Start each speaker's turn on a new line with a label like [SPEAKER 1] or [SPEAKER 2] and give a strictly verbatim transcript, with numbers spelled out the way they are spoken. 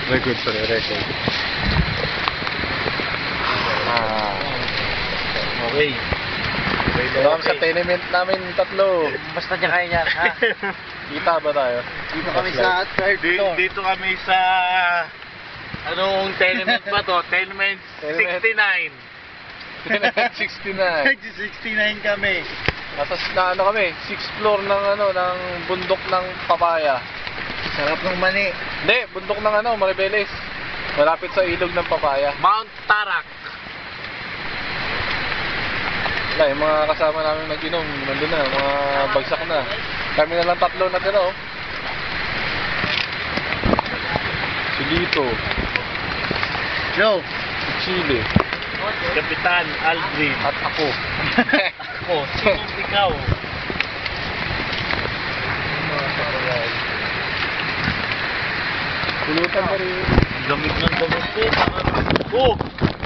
[SPEAKER 1] Record, sorry, record. Ah.
[SPEAKER 2] Okay.
[SPEAKER 1] Welcome sa tenement namin tatlo.
[SPEAKER 2] Basta dyan kayo yan, ha?
[SPEAKER 1] Kita ba tayo?
[SPEAKER 2] Dito kami sa third
[SPEAKER 3] Di,
[SPEAKER 2] floor.
[SPEAKER 3] dito kami sa... Anong tenement ba to? Tenement
[SPEAKER 1] Tenement.
[SPEAKER 3] sixty-nine.
[SPEAKER 1] Tenement sixty-nine.
[SPEAKER 2] sixty-nine kami.
[SPEAKER 1] Nasa na, ano kami, sixth floor ng ano ng bundok ng Papaya.
[SPEAKER 2] Sarap ng mani.
[SPEAKER 1] Hindi, bundok ng ano, Maribeles. Malapit sa ilog ng Papaya.
[SPEAKER 3] Mount Tarak.
[SPEAKER 1] Wala, yung mga kasama namin nag-inom, nandun na, mga bagsak na. Kami na lang tatlo na tira, oh. Si Lito,
[SPEAKER 2] Joe.
[SPEAKER 1] si Chile,
[SPEAKER 3] Kapitan Aldrin.
[SPEAKER 1] at ako.
[SPEAKER 3] Ako, sinong ikaw?
[SPEAKER 1] Pulutan pa rin.
[SPEAKER 3] Lamig ng